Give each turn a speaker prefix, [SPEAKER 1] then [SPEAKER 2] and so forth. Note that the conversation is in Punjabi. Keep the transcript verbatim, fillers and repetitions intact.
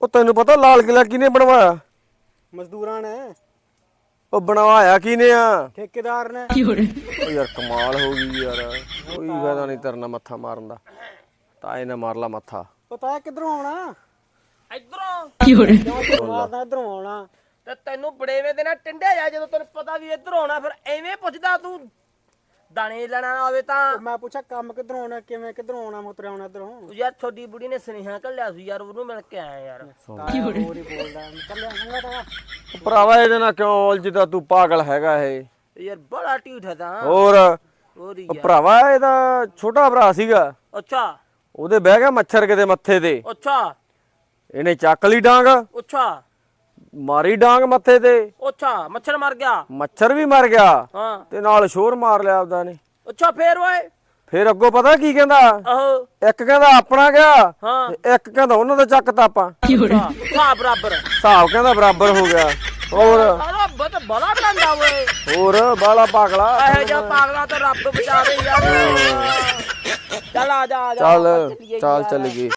[SPEAKER 1] ਉਹ ਤੈਨੂੰ ਪਤਾ ਲਾਲ ਕਿਲਾ ਕਿਹਨੇ ਬਣਵਾਇਆ?
[SPEAKER 2] ਮਜ਼ਦੂਰਾਂ ਨੇ।
[SPEAKER 1] ਉਹ ਬਣਵਾਇਆ ਕਿਹਨੇ ਆ?
[SPEAKER 2] ਠੇਕੇਦਾਰ ਨੇ।
[SPEAKER 1] ਉਹ ਯਾਰ ਕਮਾਲ ਹੋ ਗਈ ਯਾਰ, ਕੋਈ ਫਾਇਦਾ ਨਹੀਂ ਤੇਰੇ ਨਾਲ ਮੱਥਾ ਮਾਰਨ ਦਾ। ਤਾਏ ਨੇ ਮਾਰ ਲਾ ਮੱਥਾ।
[SPEAKER 2] ਪਤਾ ਕਿੱਧਰੋਂ ਆਉਣਾ?
[SPEAKER 3] ਇਧਰੋਂ
[SPEAKER 2] ਕਿਉਂ ਮਾਰਦਾ ਇਧਰੋਂ ਆਉਣਾ?
[SPEAKER 3] ਤੇ ਤੈਨੂੰ ਬੜੇਵੇਂ ਦੇ ਨਾਲ ਟਿੰਡਿਆ ਜਾ ਜਦੋਂ ਤੈਨੂੰ ਪਤਾ ਵੀ ਇੱਧਰ ਆਉਣਾ ਫਿਰ ਐਵੇਂ ਪੁੱਛਦਾ ਤੂੰ ਦਾਣੇ ਲੈਣਾ ਨਾ ਹੋਵੇ ਤਾਂ।
[SPEAKER 2] ਮੈਂ ਪੁੱਛਿਆ ਕੰਮ ਕਿੱਧਰੋਂ ਆਉਣਾ, ਕਿਵੇਂ ਕਿੱਧਰੋਂ ਆਉਣਾ, ਮੁੱਤਰ ਆਉਣਾ ਇਧਰੋਂ।
[SPEAKER 3] ਯਾਰ ਤੁਹਾਡੀ ਬੁੜੀ ਨੇ ਸੁਨੇਹਾ ਘੱਲਿਆ ਸੀ ਯਾਰ, ਉਹਨੂੰ ਮਿਲ ਕੇ ਆਇਆ ਯਾਰ।
[SPEAKER 2] ਹੋਰ ਹੀ ਬੋਲਦਾ ਚੱਲਿਆ ਚੰਗਾ ਤਾਂ।
[SPEAKER 1] ਭਰਾਵਾ ਇਹਦੇ ਨਾਲ ਕਿਉਂ ਉਲਝਦਾ ਤੂੰ? ਪਾਗਲ ਹੈਗਾ ਇਹ
[SPEAKER 3] ਯਾਰ ਬੜਾ ਢੀਠ ਹੈ ਤਾਂ।
[SPEAKER 1] ਹੋਰ
[SPEAKER 3] ਹੋਰ ਹੀ
[SPEAKER 1] ਉਹ
[SPEAKER 3] ਯਾਰ।
[SPEAKER 1] ਭਰਾਵਾ ਇਹਦਾ ਛੋਟਾ ਭਰਾ ਸੀਗਾ,
[SPEAKER 3] ਅੱਛਾ
[SPEAKER 1] ਉਹਦੇ ਬਹਿ ਗਿਆ ਮੱਛਰ ਕਿਤੇ ਮੱਥੇ ਤੇ,
[SPEAKER 3] ਅੱਛਾ
[SPEAKER 1] ਇਹਨੇ ਚੱਕ ਲਈ ਡਾਂਗ,
[SPEAKER 3] ਅੱਛਾ
[SPEAKER 1] ਮਾਰੀ ਡਾਂਗ ਮੱਥੇ ਤੇ,
[SPEAKER 3] ਅੱਛਾ ਮੱਛਰ ਮਰ ਗਿਆ।
[SPEAKER 1] ਮੱਛਰ ਵੀ ਮਰ ਗਿਆ
[SPEAKER 3] ਹਾਂ
[SPEAKER 1] ਤੇ ਨਾਲ ਸ਼ੋਰ ਮਾਰ ਲਿਆ ਆਪਦਾ ਨੇ।
[SPEAKER 3] ਅੱਛਾ ਫੇਰ ਓਏ।
[SPEAKER 1] ਫੇਰ ਅੱਗੋਂ ਪਤਾ ਕੀ ਕਹਿੰਦਾ?
[SPEAKER 3] ਆਹੋ
[SPEAKER 1] ਇੱਕ ਕਹਿੰਦਾ ਆਪਣਾ ਗਿਆ
[SPEAKER 3] ਹਾਂ
[SPEAKER 1] ਤੇ ਇੱਕ ਕਹਿੰਦਾ ਉਹਨਾਂ ਦਾ ਚੱਕਤਾ ਆਪਾਂ।
[SPEAKER 3] ਹਾਂ ਬਰਾਬਰ
[SPEAKER 1] ਹਿਸਾਬ ਕਹਿੰਦਾ ਬਰਾਬਰ ਹੋ ਗਿਆ। ਹੋਰ
[SPEAKER 3] ਆਹ ਬਤ ਬੜਾ ਡੰਡਾ ਓਏ।
[SPEAKER 1] ਹੋਰ ਬਾਲਾ ਪਾਗਲਾ।
[SPEAKER 3] ਇਹੋ ਜਿਹਾ ਪਾਗਲਾ ਤਾਂ ਰੱਬ ਬਚਾਵੇ ਯਾਰ। ਚੱਲ ਆ ਜਾ ਆ ਜਾ
[SPEAKER 1] ਚੱਲ
[SPEAKER 3] ਆਪਾਂ ਚੱਲੀਏ
[SPEAKER 1] ਚੱਲ
[SPEAKER 3] ਯਾਰ।
[SPEAKER 1] ਚੱਲ ਗਈ।